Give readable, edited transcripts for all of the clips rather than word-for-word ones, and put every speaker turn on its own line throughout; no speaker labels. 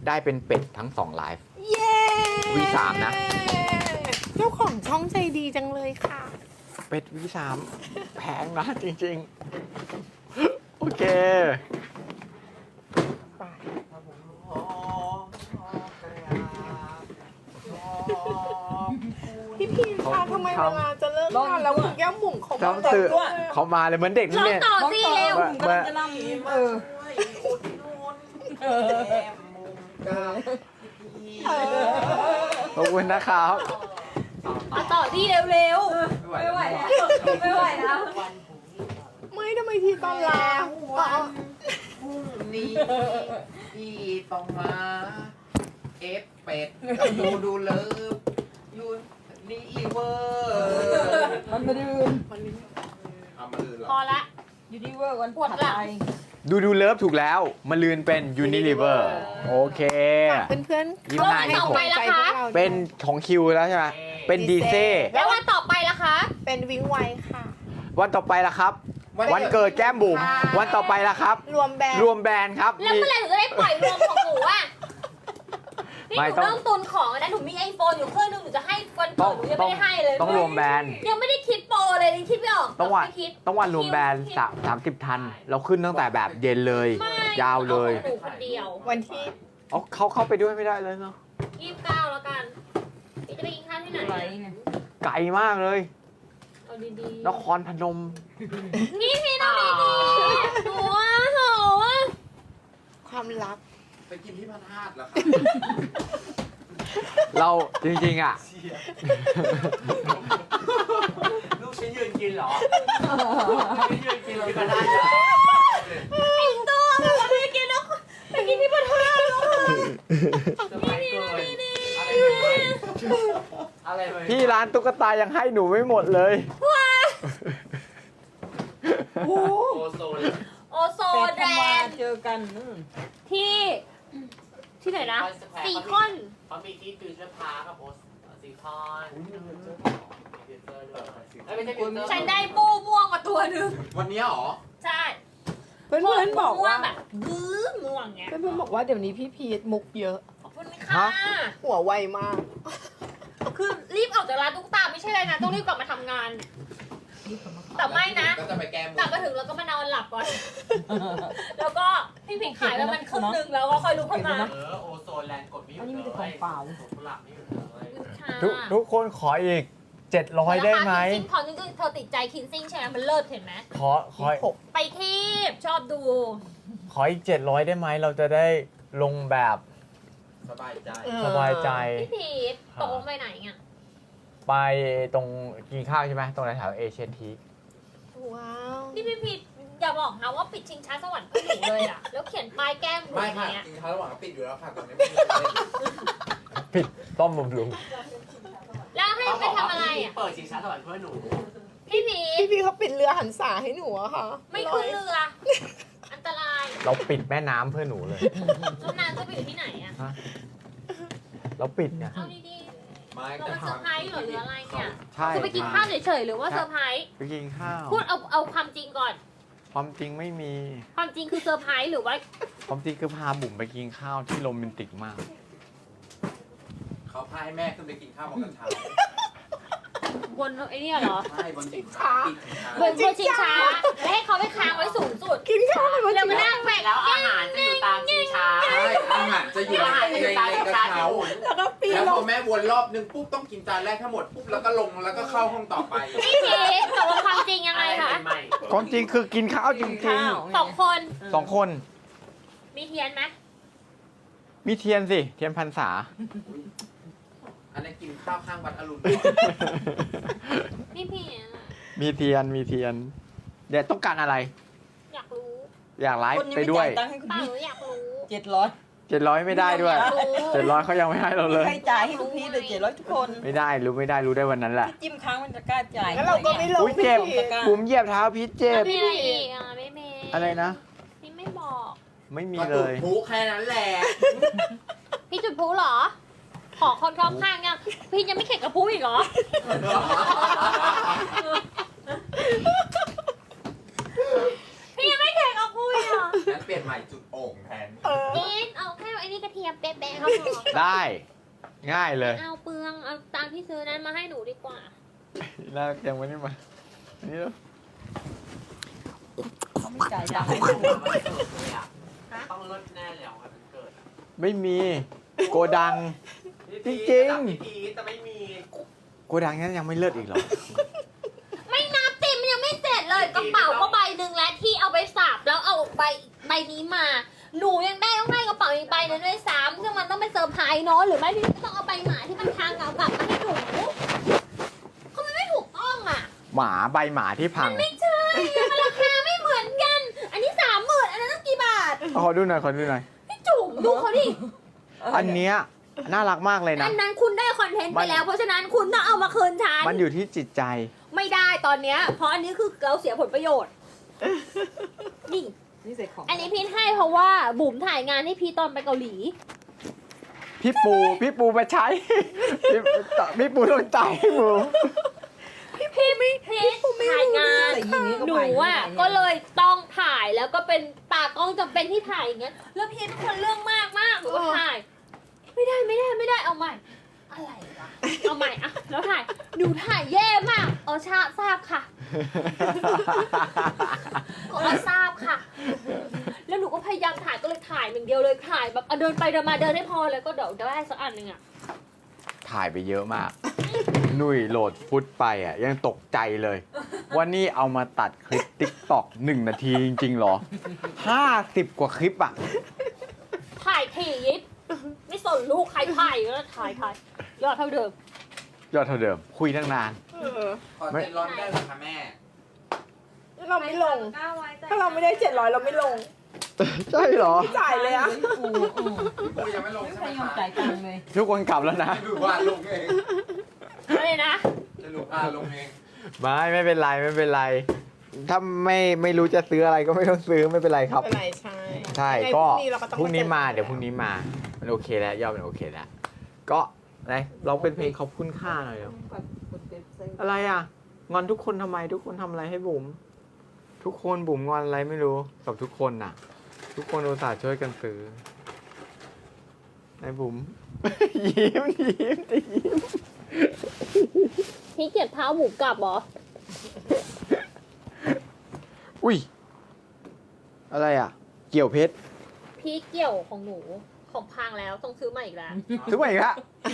ได้เป็นเป็ดทั้ง2ไลฟ์
เย้
V3 นะ
เจ้าของช่องใจดีจังเลยค่ะ
เป็ด V3 แพงนะจริงๆ โอเค
ไป พี่พีนคะทำไมเวลาจะเลิกงานแล้วคุณแก้มบุ๋มเขา
ต้องตื่นเขามาเลยเหมือนเด็ก
ร้
นี่
อง
เนี่ย
ต่อสิเร็ว
เมื่อ
จะลำ
ขอบคุณนะครับ
เอาต่อที่เร็วๆไม่ไหวแล้วไม่ไหวแล้ว
ไม่ทำไมทีตอนลาอ๋อ
พรุ่งนี้พี่ต้องมาเอฟเป็ดกับดูเลิฟยูนี่เวอร์มันมาดืนเอามาดืนเหร
พอ
อ
ละ
ยูนิเวอร์วัน
ปวดหลัง
ดูเลิฟถูกแล้วมาลืนเป็น Unilever โอเค
เพื่อนๆ
ยิ้ม
เข้า
หน้า
ให้
ต่อไปละ
ใจ
คะ
พวกรา
เป็นของคิวแล้วใช่ไหมเป็นดีเซ่
แล้ววันต่อไปล่ะคะ
เป็นวิงไวค่ะ
วันต่อไปล่ะครับ วันเกิดแก้มบุ๋มวันต่อไปล่ะครับ
รวมแบรนด์
รวมแบรนด์ครับ
แล้วเมื่อไหร่หนูจะได้ปล่อยรวมของหนูอ่ะนี่
ไม่
หนู
ต้อง
เริ่มตุนของนะหนูมีไอโฟนอยู่เครื่องนึงหนูจะให้วันเกิดหนูยังไม่ได้ให้เลย
ต้องรวมแบรนด์
ยังไม่ได้คิดโปรเลยยังคิดไม่ออก
ต้องวัน
ไม่คิด
ต้องวันรวมแบรนด์30 ทัน เราขึ้นตั้งแต่แบบเย็นเลย
ไม่
ยาวเลย
อาของหนูคนเดียว
วันที่
เอาเข้าไปด้วยไม่ได้เลยเนาะ
29แล้วกันพี่จะไปกินข้าวที่ไหน
อะไร
อะ
ไง
ไกลมากเลย
เอาดีๆ
นครพนม
พี่ต้องดีๆหนูอ่ะโห
ความลับ
ไปกินที่พันธาตุเหรอครับ
เราจริงๆอ่ะ
ลูกฉันยืนกินเหรอฉันยืนกินที่พันธาตุเหรอ
ไอ้ตัวแบบว่าไปกินแล้วไปกินที่พัทยาแล้วค่ะ
จะไปเกินอะไรเลย
พี่ร้านตุ๊กตายังให้หนูไม่หมดเลย
โอโซน
โอโซ
เป็ด
แด
ทำมาง เจอกัน
ที่ไหนนะซีคอน
เขามีที่ฟิวเจอร์พาร์คกับโอซีคอนไม่ใช่ฟิวเจอร์
ฉันได้ปูม่วงมาตัวหนึ่ง
วันนี้เหรอ
ใช่
เพื่อนๆบอก
ม่ว
ว่าง
แบบบื้อม่วงเงี้ย
เพื่อนๆบอกว่าเดี๋ยวนี้พี่พีทมุกเยอะ
ขอบคุณค่ะ
หัวไวมาก
คือรีบออกจากร้านตุ๊กตาไม่ใช่เลยนะต้องรีบกลับมาทำงาน แต่ไม่นะ
ก็จะไปแก้ม
กลับมาถึงแล้วก็มานอนหลับก่อน แล้วก็พี่ผิงขายแล้วมันครึ่งนึงแล้วก็ค่อยลุกขึ้นมา
โอโซนแลนด์กดไม่หยุด
อันนี้
เล
มีแต่ของเปล่า
สวนกุหลาบไม่หยุดเลย
ทุกคนขออีก 700 ได้ไหม
คินซิ่งพอนึกเธอติดใจคินซิ่งใช่ไหมมันเลิศเห็นไหม
ขอ
ไปคีบชอบดู
ขออีก 700 ได้ไหม เราจะได้ลงแบบ
สบายใจ
สบายใจ
พี่พีทตกลงไปไหนเนี่ย
ไปตรงกินข้าวใช่ไหมตรงแถวเอเชียนที
ว้าว
นี่พี่พีทอย่าบอกนะว่าปิดชิงช้าสวรรค์เพื่อหนูเลยอ่ะ แล้วเขียนป้ายแก้มหนู
ไม่
อย่าง
ค่ะ
เงี้ย
กินข้าวระหว่างปิดอยู่แล้วค่ะตอนนี้ไม่มีอะไร
ผิดต้อมบำรุง
แล้วให้ไปทำอะไรอ่ะ
เปิดชิงช้าสวรรค์เพื่อหนู
พี่พีท
พี่พีทเขาปิดเรือหันษาให้หนูอะค่ะ
ไม่ขึ้นเรือ อันตราย
เราปิดแม่น้ำเพื่อหนูเลย
แล้วนางจะไปอยู่ที่ไหนอ่ะ
เราปิดไง
เอาดี
ไม่
ๆเราเป็นเซอร์ไพรส์เหรอหรืออะไรเนี่ย
ใช่
คือไปกินข้าวเฉยๆหรือว่าเซอร์ไพรส์
ไปกินข้าว
พูดเอาความจริงก่อน
ความจริงไม่มี
ความจริงคือเซอร์ไพรส์หรือว่า
ความจริงคือพาบุ๋มไปกินข้าวที่โรแมนติกมาก
เขาพาให้แม่ขึ้นไปกินข้าวบนกระเช้า
บนไอ้เนี่ยเหรอ
ใช่บนชิงช้าปิดชิงช้า
บนชิงช้าแล้วให้เขาไปค้างไว้สูงสุด
กินข้าวเลย
แล้วมานั่งแบก
แล้วอาหารจะอยู่ตามชิงช้า
ใช่อาหารจะอยู่ในกระเช้า
แล้วก็ปีน
แล้ว
ล
พอง แม่วนรอบนึงปุ๊บต้องกินจานแรกทั้งหมดปุ๊บแล้วก็ลงแล้วก็เข้าห้องต่อไป
พี่พีทตกลงความจริงยังไงคะ
ใหม่
ความจริงคือกินข้าวจริง
2 คน
ๆ 2 คน
มีเทียนไหม
มีเทียนสิ เทียนพรรษา
อันนี้กินข้าวข้างวัดอรุณ
พี่พีท
มีเทียน มีเทียน เดี๋ยวต้องการอะไร
อยากรู้
อยากไล
คน
ฟ์
ยัง
ไป
ไม่
ด้วย
จ่ายตังค์ให้คุณ
เปล่า
พี่
หนูอยากรู้
700
700 ไม่ได้ด้วย
อยากรู้
700เขายังไม่ให้เราเลย
ใครจ่ายให้คุณพี่เลย700ทุกคน
ไม่ได้รู้ได้วันนั้นแหละ
พี่จิ้มค้างมันจะกล้าจ่าย
แล้วเราก็ไม่ลง
อุ๊ยเจ็บ
พี่พีท
บุ๋มเหยียบเท้าพีชเจ็บ
มีอะไรอีกอ่ะไม่เมย์
อะไรนะ
พี่ไม่บอก
ไม่มี
ก็
เล
ดูด
ย
พุแค่นั้นแหละ
พี่จุดพลุเหรอ ขอคนรอบข้างยังพี่ยังไม่เข็ดกับพลุอีกเหรอ พี่ยังไม่เข็ดกับพลุอีกเหรอ
งั้นเปลี่ยนใหม่จุดโอ่งแทน
พีทเอาแค่ไอ้นี่กระเทียมเป๊ะๆเขาพอ
ได้ ง่ายเลย
เอาเปลืองเอาตามที่ซื้อนั้นมาให้หนูดีกว่า
แล้วยังไม่ได้มานี่แล้ว
เขาไม่จ่ายตังค์
ไม่
ให้
ถู
ดู
กมันเกิดเลยอ่ะต้องเลิศแน่เลยอ่ะวันเกิดอ่ะ
ไม่มีโกดัง จริงๆ
พี่พีชจะไม่มี
โกดังนั้นยังไม่เลิศอีกเหรอ
ไม่นับติมยังไม่เสร็จเลยกระเป๋าก็ใบหนึ่งแล้วที่เอาไปสับแล้วเอาใบนี้มา หนูยังต้องได้กระเป๋าอีกใบนึงด้วยซ้ำซึ่งมันต้องเป็นเซอร์ไพรส์เนาะหรือไม่พี่ก็ต้องเอาใบหมาที่มันทางเงากลับมาให้หนูเขาไม่ถูกต้องอ่ะ
หมาใบหมาที่พัง
ไม่ใช่มันราคาไม่เหมือนกัน อันนี้30,000อันนั้นต้องกี่บาท
ขอดูหน่อยขอดูหน่อย
พี่จุ๋มดูเขาดิ
อันเนี้ยน่ารักมากเลยนะ
อันนั้นคุณได้คอนเทนต์ไปแล้ว เพราะฉะนั้นคุณต้องเอามาคืนฉัน
มันอยู่ที่จิตใจ
ไม่ได้ตอนเนี้ยเพราะอันนี้คือเราเสียผลประโยชน์นี่
นี่เสร็จของ
อันนี้พีทให้เพราะว่าบุ๋มถ่ายงานให้พีทตอนไปเกาหลี
พี่ปูมาใช้ พี่ปูต้องจ่ายให้หมู
พีทถ่ายงาน
แต่อย่างนี้ก็
หนู
ไป
อ่ะก็เลยต้องถ่ายแล้วก็เป็นตากล้องจำเป็นที่ถ่ายอย่างเงี้ยแล้วพีทเป็นคนเรื่องมากหนูก็ถ่าย ไม่ได้เอาใหม่อะไรวะเอาใหม่อะแล้วถ่ายหนูถ่ายแย่มากทราบค่ะทราบค่ะ แล้วหนูก็พยายามถ่ายก็เลยถ่ายอย่างเดียวเลยถ่ายแบบเดินไปเดินมาเดินให้พอแล้วก็เดี๋ยวได้สักอันหนึ่งอะ
ถ่ายไปเยอะมาก หนุ่ยโหลดฟุตไปอ่ะ ยังตกใจเลยว่านี่เอามาตัดคลิปติ๊กต็อก1 นาทีจริงๆเหรอ 50 กว่าคลิปอ่ะ
ถ่ายถี่ยิบไม่สนลูกใครถ่ายก็ถ่ายยอดเท่าเดิม
ยอดเท่าเดิม คุยตั้งนาน
คอนเทนต์ร้อนได้เหรอคะแม่
เราไม่ลง ถ้าเราไม่ได้700เราไม่ลง
ใช่เหรอ
ไม่จ่ายเลยอะ
พี่ปู
พี่ปูยังไม่ลง
ไม่
ใช่
เค
ไหม
ยยอม
คะ
จ่ายตังค์เลย
ทุกคนกลับแล้วนะ
ให้ดูว่าลงเอง
อะไรนะ
จะหนูลงเอง
ไม่เป็นไร ถ้าไม่รู้จะซื้ออะไรก็ไม่ต้องซื้อไม่เป็นไรครับ
เป็นไรใช่
ใช่
ยังไง
ก็
เราต้อง
พรุ่งนี้มา
จอ
เดี๋ยวพรุ่งนี้มามันโอเคแล้วยอดมันโอเคแล้ว ก็ไหนเราเป็นเพลงขอบคุณค่าหน่อยเดี๋ยวอะไรอ่ะ งอนทุกคนทำไมทุกคนทำอะไรให้บุ๋มทุกคนบุ๋มงอนอะไรไม่รู้กับทุกคนน่ะ ทุกคนอุตส่าห์ช่วยกันซื้อไหนบุ๋ม ยิ้ม
พี่เก็บเท้าหมูกลับเหรอ
อุ้ยอะไรอ่ะ เกี่ยวเพชร
พี่เกี่ยวของหนูของพังแล้วต้องซื้อมาอีกแล้ว
ซื้อมาอีกละ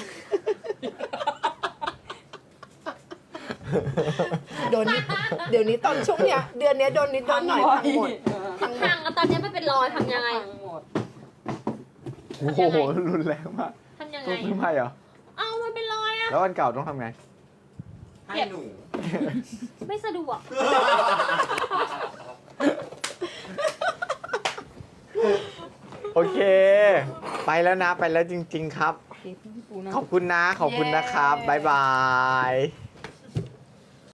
เดี๋ยวนี้ตอนช่วงเนี้ยเดือนเนี้ยโดนนิดโดนหน่อยพังหมด
พังแล้วตอนนี้มันเป็นรอยทำยังไง
หมด
โอ้โหรุนแรงมาก
ทำยังไง
ต้องซื้อใหม่เหรอ
เอามันเป็นรอยอะ
แล้วอันเก่าต้องทำไง
ให้หนู
ไม่สะดวก
โอเค ไปแล้วนะไปแล้วจริง ๆ ครับ
พี่ปูนะ
ขอบคุณนะครับ บ๊ายบาย